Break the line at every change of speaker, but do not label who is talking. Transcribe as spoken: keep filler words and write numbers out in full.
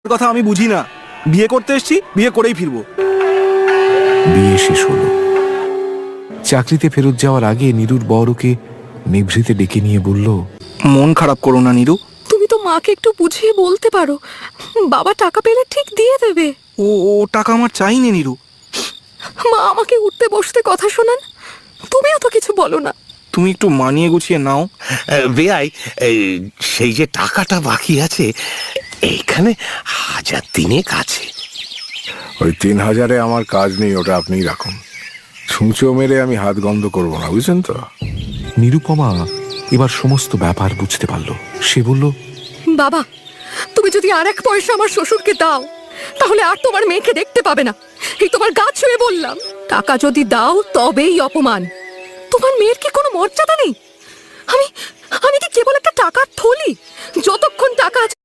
কথা আমি বুঝি না। বিয়ে করতে এসেছি, বিয়ে করেই ফিরবো।
বিয়ে শেষ হলো। চাকরিতে ফেরত যাওয়ার আগে নীরুর বর ওকে নিভৃতে ডেকে নিয়ে বলল,
মন খারাপ করো না নীরু।
তুমি তো মাকে একটু বুঝিয়ে বলতে পারো, বাবা টাকা পেলে ঠিক দিয়ে দেবে।
ও ও টাকা আমার চাইনি নীরু।
মা আমাকে উঠতে বসতে কথা শোনান, তুমিও তো কিছু বলো না।
তুমি একটু মানিয়ে গুছিয়ে নাও।
বেয়াই, সেই যে টাকাটা বাকি আছে এইখানে হাজার তিনেক আছে।
ওই তিন হাজারে আমার কাজ নেই, ওটা আপনিই রাখুন। ছুঁচো মেরে আমি হাত গন্ধ করবো না, বুঝছেন তো?
নিরুপমা এবার সমস্ত ব্যাপার বুঝতে পারল। সে বলল,
বাবা, তুমি যদি আর এক পয়সা আমার শ্বশুরকে দাও তাহলে আর তোমার মেয়েকে দেখতে পাবে না। এই তোমার গা ছুঁয়ে বললাম, টাকা যদি দাও তবেই অপমান। তোমার মেয়ের কি কোনো মর্যাদা নেই? আমি আমি কি কেবল একটা টাকার থলি? যতক্ষণ টাকা আছে